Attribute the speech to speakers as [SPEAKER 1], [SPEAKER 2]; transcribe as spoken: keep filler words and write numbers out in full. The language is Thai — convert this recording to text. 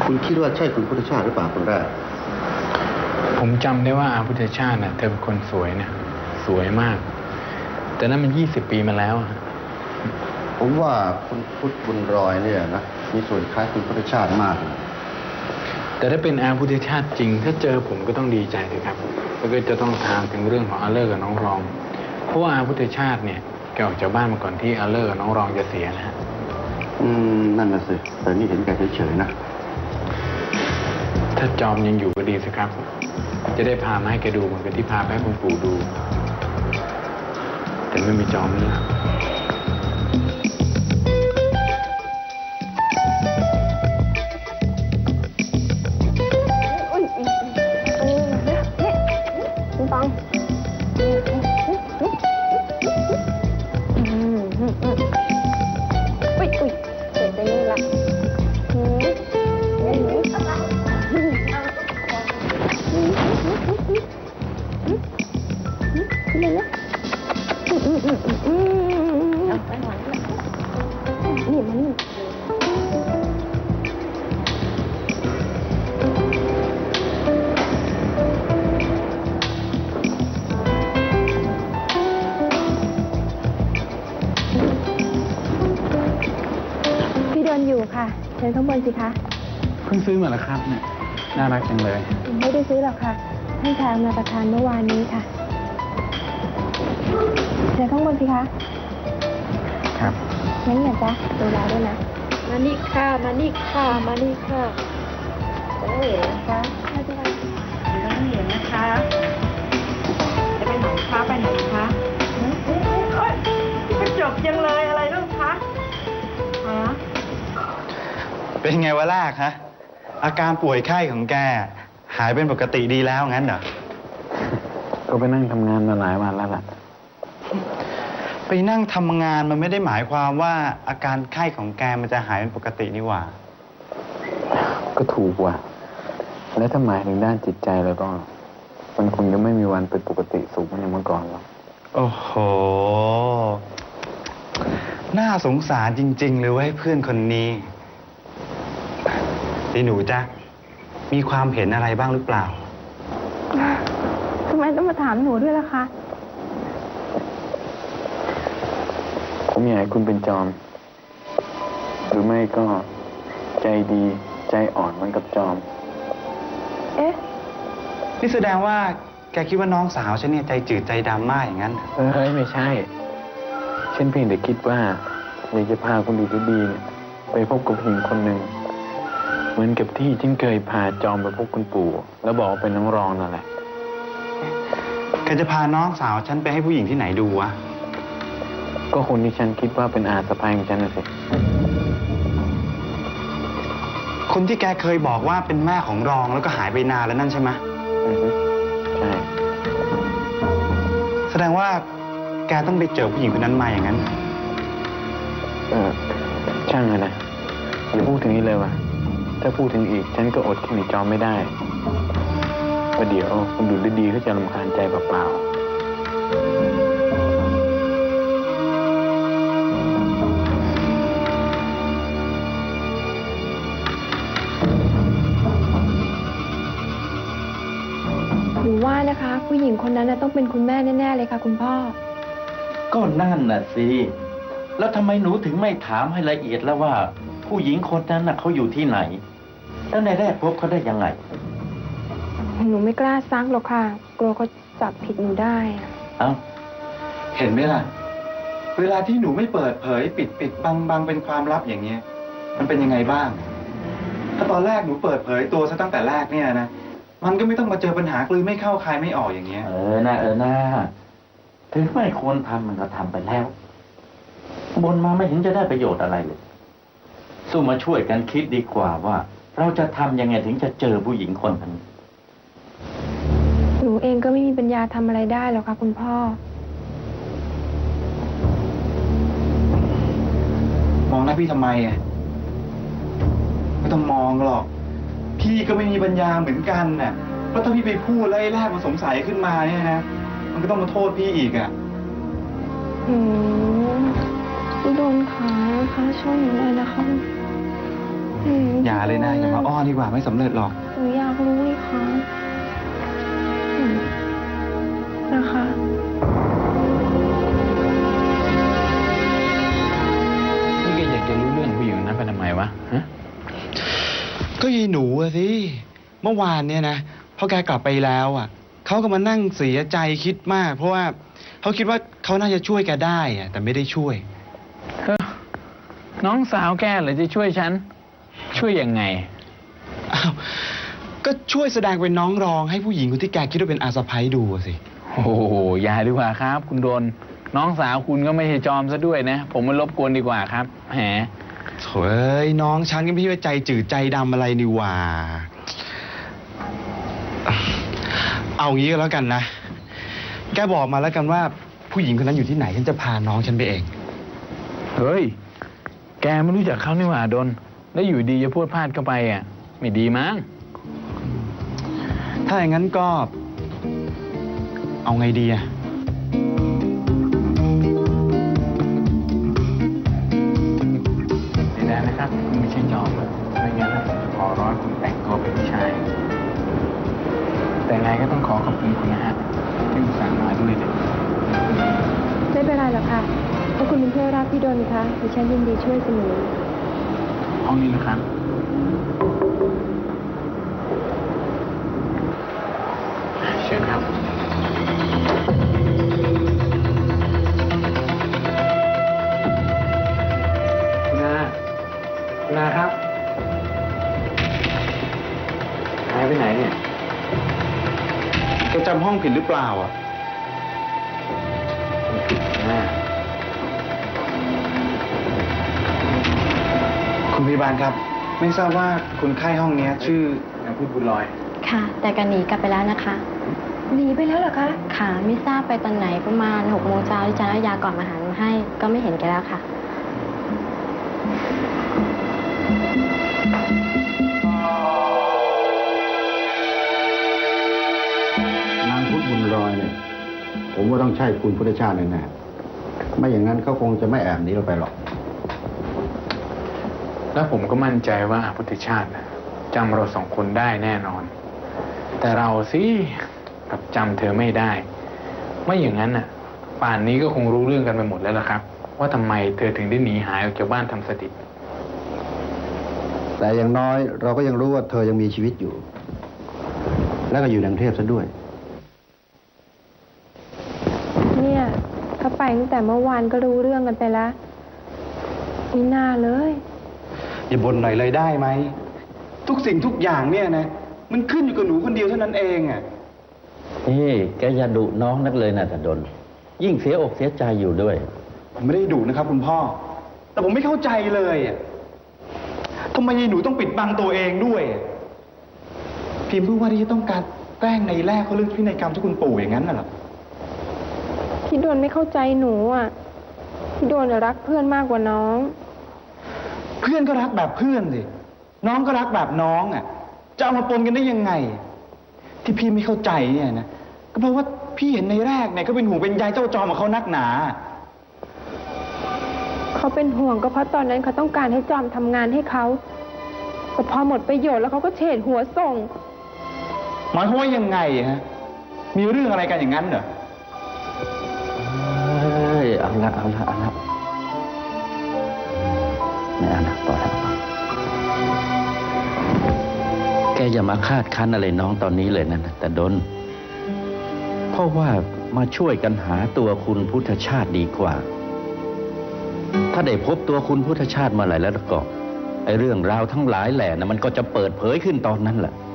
[SPEAKER 1] คุณคิดว่าใช่คุณพุทธชาติหรือเปล่าคนแรก
[SPEAKER 2] ผมจำได้ว่าอาพุทธชาติน่ะเธอเป็นคนสวยนะสวยมากแต่นั้นมันยี่สิบปีมาแล้ว
[SPEAKER 1] ผมว่าคุณพุทธบุญรอยเนี่ยนะมีส่วนคล้ายคุณพุทธชาติมาก
[SPEAKER 2] แต่ถ้าเป็นอาพุทธชาติจริงถ้าเจอผมก็ต้องดีใจเลยครับแล้วก็จะต้องถามถึงเรื่องของอาเลอร์กับน้องรองเพราะว่าอาพุทธชาติเนี่ยแกออกจากบ้านมาก่อนที่อาเลอร์กับน้องรองจะเสียนะฮะ
[SPEAKER 1] อืมนั่นน่ะสิแต่นี่เห็นแกเฉยๆนะ
[SPEAKER 2] ถ้าจอมยังอยู่ก็ดีสิครับจะได้พามาให้แกดูเหมือนกับที่พาไปให้คุณปู่ดูแต่ไม่มีจอมนี่
[SPEAKER 3] อยู่ค่ะเชิญข้างบนสิคะ
[SPEAKER 2] เพิ่งซื้อมาแล้วครับเนี่ยน่ารักจังเลย
[SPEAKER 3] ไม่ได้ซื้อหรอกค่ะท่านชายมาประทานเมื่อวานนี้ค่ะเชิญข้างบนสิคะ
[SPEAKER 2] ครับ
[SPEAKER 3] งั้นอย่าจ๊ะดูแลด้วยนะมานี่ค่ะมานี่ค่ะมานี่ค่ะโอ้ยนะคะไม่เป็นไรไม่ต้องเห็นนะคะจะไปไหนคะไปไหนคะโอ๊ยกระจกยังเลยอะไรลูกคะฮะ
[SPEAKER 4] เป็นไงวะลากฮะอาการป่วยไข้ของแกหายเป็นปกติดีแล้วงั้นเหรอ
[SPEAKER 2] ก็ไปนั่งทำงานมาหลายวันแล้วล่ะ
[SPEAKER 4] ไปนั่งทำงานมันไม่ได้หมายความว่าอาการไข้ของแกมันจะหายเป็นปกตินี่หว่า
[SPEAKER 2] ก็ถูกว่ะแล้วถ้าหมายถึงด้านจิตใจแล้วก็มันคงจะไม่มีวันเป็นปกติสุขเหมือนเมื่อก่อนหรอก
[SPEAKER 4] โอ้โหน่าสงสารจริงๆเลยเว้ยเพื่อนคนนี้ที่หนูจ๊ะมีความเห็นอะไรบ้างหรือเปล่า
[SPEAKER 3] ทำไมต้องมาถามหนูด้วยล่ะคะ
[SPEAKER 2] ผมอยากให้คุณเป็นจอมหรือไม่ก็ใจดีใจอ่อนเหมือนกับจอม
[SPEAKER 3] เอ๊ะ
[SPEAKER 4] นี่แสดงว่าแกคิดว่าน้องสาวฉันเนี่ยใจจืดใจดำมากอย่างนั้น
[SPEAKER 2] เอ้ยไม่ใช่ฉันเพียงแต่คิดว่าอยากจะพาคุณดูดีๆเนี่ยไปพบกับผู้หญิงคนหนึ่งเหมือนกับที่ฉันเคยพาจอมไปพบคุณปู่แล้วบอกว่าเป็นน้องรองนั่นแหละ
[SPEAKER 4] แกจะพาน้องสาวฉันไปให้ผู้หญิงที่ไหนดูวะ
[SPEAKER 2] ก็คนที่ฉันคิดว่าเป็นอาสะพ้ายของฉันน่ะสิ
[SPEAKER 4] คนที่แกเคยบอกว่าเป็นแม่ของรองแล้วก็หายไปนานแล้วนั่นใช่ไหม
[SPEAKER 2] อือใช่
[SPEAKER 4] แสดงว่าแกต้องไปเจอผู้หญิงคนนั้นมาอย่างนั้น
[SPEAKER 2] เออช่างเลยนะอย่าพูดถึงนี้เลยว่ะถ้าพูดถึงอีกฉันก็อดคิดถึงจอมไม่ได้ประเดี๋ยวคุณดูดีๆก็จะรำคาญใจเปล่า
[SPEAKER 3] ๆหนูว่านะคะผู้หญิงคนนั้นต้องเป็นคุณแม่แน่ๆเลยค่ะคุณพ่อ
[SPEAKER 5] ก็นั่นน่ะสิแล้วทำไมหนูถึงไม่ถามให้ละเอียดแล้วว่าผู้หญิงคนนั้นน่ะเขาอยู่ที่ไหนแล้วในแรกพบเขาได้ยังไง
[SPEAKER 3] หนูไม่กล้าซักหรอกค่ะกลัวเขาจับผิดหนูได้
[SPEAKER 4] เอ้าเห็นไหมล่ะเวลาที่หนูไม่เปิดเผยปิดปิดบังบังเป็นความลับอย่างเงี้ยมันเป็นยังไงบ้างถ้าตอนแรกหนูเปิดเผยตัวซะตั้งแต่แรกเนี่ยนะมันก็ไม่ต้องมาเจอปัญหากลืนไม่เข้าคายไม่ออกอย่างเงี้ย
[SPEAKER 5] เออนะเออนะถึงไม่ควรทำมันก็ทำไปแล้วบนมาไม่เห็นจะได้ประโยชน์อะไรเลยสู้มาช่วยกันคิดดีกว่าว่าเราจะทำยังไงถึงจะเจอผู้หญิงคนนั้น
[SPEAKER 3] หนูเองก็ไม่มีปัญญาทำอะไรได้หรอกค่ะคุณพ่อ
[SPEAKER 4] มองหน้าพี่ทำไมอ่ะไม่ต้องมองหรอกพี่ก็ไม่มีปัญญาเหมือนกันน่ะเพราะถ้าพี่ไปพูดแล้วไอ้แรกมันสงสัยขึ้นมาเนี่ยนะมันก็ต้องมาโทษพี่อีกอ่ะ
[SPEAKER 3] อืมพี่โดนขานะคะช่วยหนูหน่อยนะคะม
[SPEAKER 4] อย่าเลยนะ อย่ามาอ้อนดีกว่าไม่สำเร็จหรอก
[SPEAKER 3] หนูอยากรู้นี่คะอืมนะคะ
[SPEAKER 2] นี่แกอยากจะรู้เรื่องผู้หญิงนั้นไปทำไมวะฮะ
[SPEAKER 4] ก็ยีหนูอะสิ เมื่อวานเนี่ยนะพอแกกลับไปแล้วอ่ะเขาก็มานั่งเสียใจคิดมาก เพราะว่าเขาคิดว่าเขาน่าจะช่วยแกได้อะแต่ไม่ได้ช่วย
[SPEAKER 2] เฮ้อน้องสาวแกเหรอจะช่วยฉัน ช่วยยังไง
[SPEAKER 4] อ้าวก็ช่วยแสดงเป็นน้องรองให้ผู้หญิงคนที่แกคิดว่าเป็นอาสะใภ้ดูอะสิ
[SPEAKER 2] โอ้โหอย่าดีกว่าครับ คุณโดน น้องสาวคุณก็ไม่ใช่จอมซะด้วยนะ ผมมารบกวนดีกว่าครับแหม
[SPEAKER 4] โถ่เอ้ยน้องฉันก็ไม่ใช่ว่าใจจืดใจดำอะไรนี่หว่า เอางี้ก็แล้วกันนะ แกบอกมาแล้วกันว่าผู้หญิงคนนั้นอยู่ที่ไหนฉันจะพาน้องฉันไปเอง
[SPEAKER 2] เฮ้ย แกไม่รู้จักเขานี่หว่าดน แล้วอยู่ดีจะพูดพลาดเข้าไปอ่ะ ไม่ดีมั้ง
[SPEAKER 4] ถ้าอย่างนั้นก็ เอาไงดีอะ
[SPEAKER 2] ไม่ได้นะครับคุณไม่ใช่จอมอะไม่งั้นนะขอร้อยคุณแต่งตัวเป็นผู้ชาย แต่ไงก็ต้องขอขอบคุณคุณนะฮะที่อุตส่าห์มาด้วยเนี่ย
[SPEAKER 3] ไม่เป็นไรหรอกค่ะเพราะคุณเป็นเพื่อนรักพี่ดนคะดิฉันยินดีช่วยเสมอ
[SPEAKER 2] ห้องนี้นะครับ เชิญครับ คุณอาคุณอาครับหายไปไหนเนี่ย
[SPEAKER 4] แกจำห้องผิดหรือเปล่าอ่ะ
[SPEAKER 2] ไม่ผิดนะ
[SPEAKER 4] คุณพยาบาลครับ ไม่ทราบว่าคนไข้ห้องเนี้ยชื่อ
[SPEAKER 2] นางพูดบุญลอย
[SPEAKER 6] ค่ะ แต่กันหนีกลับไปแล้วนะคะ
[SPEAKER 3] หนีไปแล้วเหรอคะ
[SPEAKER 6] ค่ะ ไม่ทราบไปตอนไหนประมาณหกโมงเช้าที่ฉันเอายาก่อนอาหารมาให้ ก็ไม่เห็นแกแล้วค่ะ
[SPEAKER 1] นางพุทธบุญรอยเนี่ย ผมว่าต้องใช่คุณพุทธชาติแน่ๆไม่อย่างนั้นเขาคงจะไม่แอบหนีเราไปหรอก
[SPEAKER 2] แล้วผมก็มั่นใจว่าพุทธชาติน่ะจำเราสองคนได้แน่นอน แต่เราสิกลับจำเธอไม่ได้ ไม่อย่างนั้นน่ะ ป่านนี้ก็คงรู้เรื่องกันไปหมดแล้วล่ะครับ ว่าทำไมเธอถึงได้หนีหายออกจากบ้านทำสถิต
[SPEAKER 1] แต่อย่างน้อยเราก็ยังรู้ว่าเธอยังมีชีวิตอยู่ และก็อยู่ในกรุงเทพซะด้วย
[SPEAKER 3] เนี่ยเขาไปตั้งแต่เมื่อวานก็รู้เรื่องกันไปแล้วมีหน้าเลย
[SPEAKER 4] อย่าบ่นหน่อยเลยได้ไหม ทุกสิ่งทุกอย่างเนี่ยนะ มันขึ้นอยู่กับหนูคนเดียวเท่านั้นเองอ่ะ
[SPEAKER 5] นี่แกอย่าดุน้องนักเลยนะแต่ดน ยิ่งเสียอกเสียใจอยู่ด้วย
[SPEAKER 4] ผมไม่ได้ดุนะครับคุณพ่อ แต่ผมไม่เข้าใจเลยอ่ะทำไมยายหนูต้องปิดบังตัวเองด้วยอะเพียงเพื่อว่าที่จะต้องการแกล้งในแรกเขาเรื่องพินัยกรรมที่คุณปู่อย่างนั้นน่ะเหรอ
[SPEAKER 3] พี่ดนไม่เข้าใจหนูอ่ะ พี่ดนน่ะรักเพื่อนมากกว่าน้อง
[SPEAKER 4] เพื่อนก็รักแบบเพื่อนสิ น้องก็รักแบบน้องอ่ะ จะเอามาปนกันได้ยังไง ที่พี่ไม่เข้าใจเนี่ยนะ ก็เพราะว่าพี่เห็นในแรกเนี่ยก็เป็นห่วงเป็นใยเจ้าจอมของเขานักหนา
[SPEAKER 3] เขาเป็นห่วงก็เพราะตอนนั้นเขาต้องการให้จอมทำงานให้เขาแต่พอหมดประโยชน์แล้วเขาก็เฉดหัวส่ง
[SPEAKER 4] หมายความว่ายังไงฮะ มีเรื่องอะไรกันอย่างนั้นเหรอ
[SPEAKER 5] เอ้ย เอาละเอาละเอาละไม่เอาละพอแล้วแกอย่ามาคาดคั้นอะไรน้องตอนนี้เลยนะแต่ดน เพราะว่ามาช่วยกันหาตัวคุณพุทธชาติดีกว่า ถ้าได้พบตัวคุณพุทธชาติเมื่อไหร่แล้วก็ไอ้เรื่องราวทั้งหลายแหล่นะมันก็จะเปิดเผยขึ้นตอนนั้นแหละ